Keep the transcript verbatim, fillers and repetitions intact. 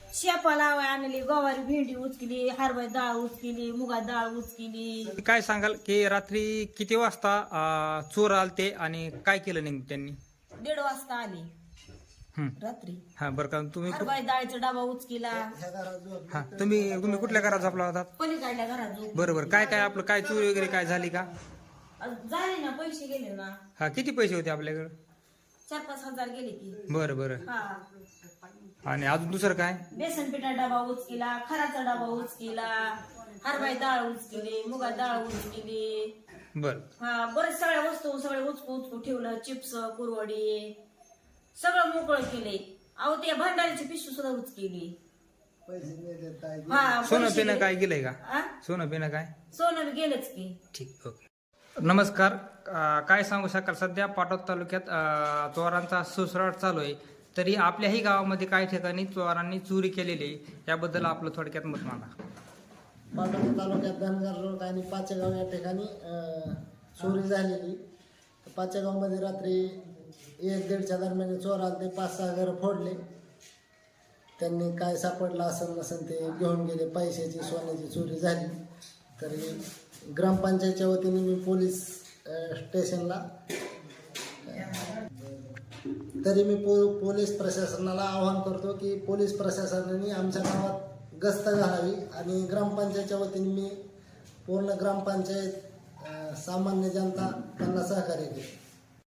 शेपा लावाय आणली, गवारी भेंडी उचकिली, हरभरा डाळ उचकिली, मुगा डाळ उचकिली. काय सांगाल की रात्री किती वाजता अं, चोर आलते आणि काय केलं नेमकं त्यांनी? दीड वाजता आली हं. रात्री. हा बरं का तुम्ही कु- हरभरा डाळीचा डबा उचकिला. हा तुम्ही तुम्ही कुठल्या घरात झोपला होता? पलीकडल्या घरात झोप. बरं बरं काय काय आपलं काय चोरी वगैरे काय झाली का? झाले ना, पैसे गेले ना, हा किती पैसे होते आपल्याकडे? चार पाच हजार गेले की. बरं बरं हा, आणि अजून दुसरं काय? बेसन पिठा डबा उचकिला, खराचा डबा उचकिला, हरभरा डाळ उचकिली, मुगा डाळ उचकिली. बरं हा, बरेच सगळ्या वस्तू सगळे उचकू उचकू ठेवलं. चिप्स, कुरवडी सगळं मोकळं केले. अहो ते भंडारीची पिशवी सुद्धा उचकेली. हा, सोनं पैसे पिणं गेले. काय गेलंय का? हा? सोनं पिणं काय? सोनं बी गेलंच की. ठीक ओके. नमस्कार. अं, काय सांगू शकाल सध्या पाटोद तालुक्यात अं, चोरांचा सुसराट चालू आहे, तरी आपल्याही गावामध्ये काही ठिकाणी चोरांनी चोरी केलेली आहे. याबद्दल आपलं थोडक्यात मत मांडा. पाटोदा तालुक्यात धनगर रोड आणि पाचेगाव या ठिकाणी अ, चोरी झालेली. पाचेगावमध्ये रात्री एक दीडच्या दरम्यान चोर आले, पाच सहा घरं फोडले. त्यांनी काय सापडलं असेल नसेल ते घेऊन गेले. पैशाची सोन्याची चोरी झाली. तरी ग्रामपंचायतच्या वतीने मी पोलीस अ, स्टेशनला तरी मी पो पोलीस प्रशासनाला आवाहन करतो की पोलीस प्रशासनाने आमच्या गावात गस्त घालावी आणि ग्रामपंचायतच्या वतीने मी पूर्ण ग्रामपंचायत अ, सामान्य जनता त्यांना सहकार्य केले.